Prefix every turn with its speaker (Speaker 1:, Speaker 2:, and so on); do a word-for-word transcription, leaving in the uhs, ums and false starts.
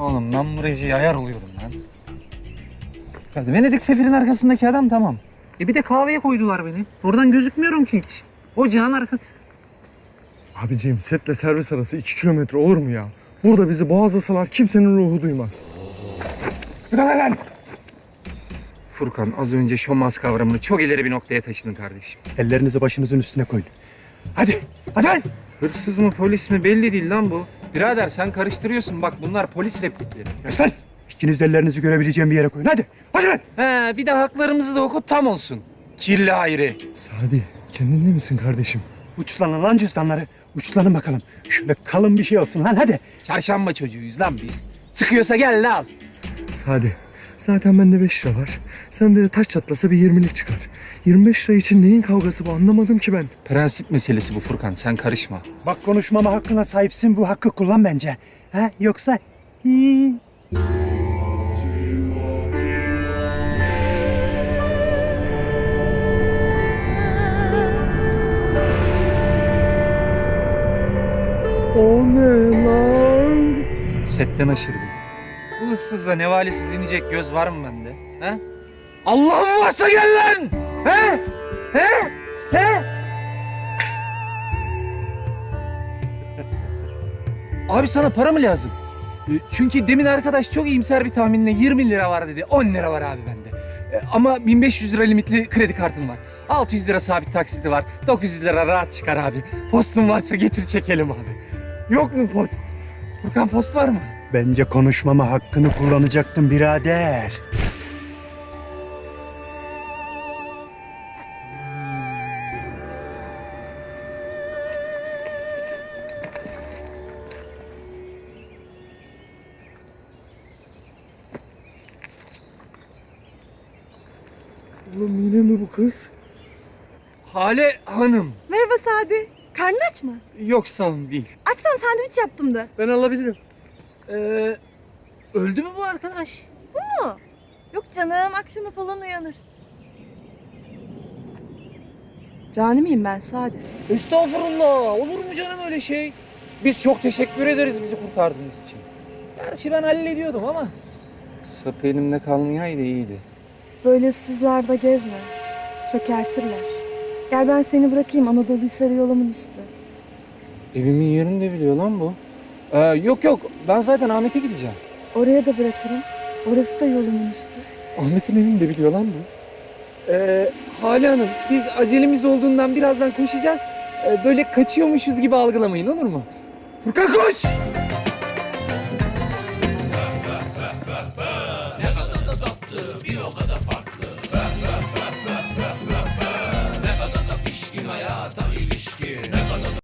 Speaker 1: Oğlum ben bu rejiye ayar oluyorum lan. Ya Venedik sefirin arkasındaki adam tamam. E bir de kahveye koydular beni. Oradan gözükmüyorum ki hiç. Ocağın arkası.
Speaker 2: Abiciğim setle servis arası iki kilometre olur mu ya? Burada bizi boğazlasalar kimsenin ruhu duymaz. Bir tane lan!
Speaker 1: Furkan az önce şomaz kavramını çok ileri bir noktaya taşıdın kardeşim.
Speaker 3: Ellerinizi başınızın üstüne koyun. Hadi, hadi lan!
Speaker 1: Hırsız mı polis mi belli değil lan bu. Birader sen karıştırıyorsun bak bunlar polis replikleri.
Speaker 3: Göster! İkiniz de ellerinizi görebileceğim bir yere koyun. Hadi, hadi lan!
Speaker 1: He bir de haklarımızı da oku tam olsun. Kirli Hayri.
Speaker 2: Sadi kendinde misin kardeşim?
Speaker 3: Uçlanın lan cüzdanları. Uçlanın bakalım. Şöyle kalın bir şey olsun lan hadi.
Speaker 1: Çarşamba çocuğuyuz lan biz. Çıkıyorsa gel lan al.
Speaker 2: Sadi zaten bende beş lira var. Sende de taş çatlasa bir yirmilik çıkar. yirmi beş lira için neyin kavgası bu anlamadım ki ben.
Speaker 1: Prensip meselesi bu Furkan sen karışma.
Speaker 3: Bak konuşmama hakkına sahipsin. Bu hakkı kullan bence. Ha? Yoksa... Hmm.
Speaker 2: O ne lan?
Speaker 1: Setten aşırdım. Bu ıssızla nevalesiz inecek göz var mı bende? He? Allah'ım varsa gel lan! He? He? He? Abi sana para mı lazım? E, Çünkü demin arkadaş çok iyimser bir tahminle yirmi lira var dedi. on lira var abi bende. E, Ama bin beş yüz lira limitli kredi kartım var. altı yüz lira sabit taksiti var. dokuz yüz lira rahat çıkar abi. Postun varsa getir çekelim abi. Yok mu post? Furkan post var mı?
Speaker 3: Bence konuşmama hakkını kullanacaktın birader.
Speaker 2: Oğlum yine mi bu kız?
Speaker 1: Hale Hanım.
Speaker 4: Merhaba Sadi. Karnın aç mı?
Speaker 1: Yok sağ olun değil.
Speaker 4: Açsan sandviç yaptım da.
Speaker 2: Ben alabilirim.
Speaker 1: Ee, öldü mü bu arkadaş?
Speaker 4: Bu mu? Yok canım akşama falan uyanır. Cani miyim ben Sadi?
Speaker 1: Estağfurullah. Olur mu canım öyle şey? Biz çok teşekkür ederiz bizi kurtardığınız için. Gerçi ben hallediyordum ama. Sapı elimde kalmayaydı iyiydi.
Speaker 4: Böyle ıssızlarda gezme. Çökertirler. Gel ben seni bırakayım Anadolu Hisarı yolumun üstü.
Speaker 1: Evimin yerini de biliyor lan bu. Ee, yok yok ben zaten Ahmet'e gideceğim.
Speaker 4: Oraya da bırakırım. Orası da yolumun üstü.
Speaker 1: Ahmet'in evini de biliyor lan bu. Ee, Hale Hanım biz acelemiz olduğundan birazdan koşacağız. Ee, böyle kaçıyormuşuz gibi algılamayın olur mu? Furkan koş!
Speaker 5: Ne kadar da tatlı, bir o kadar farklı.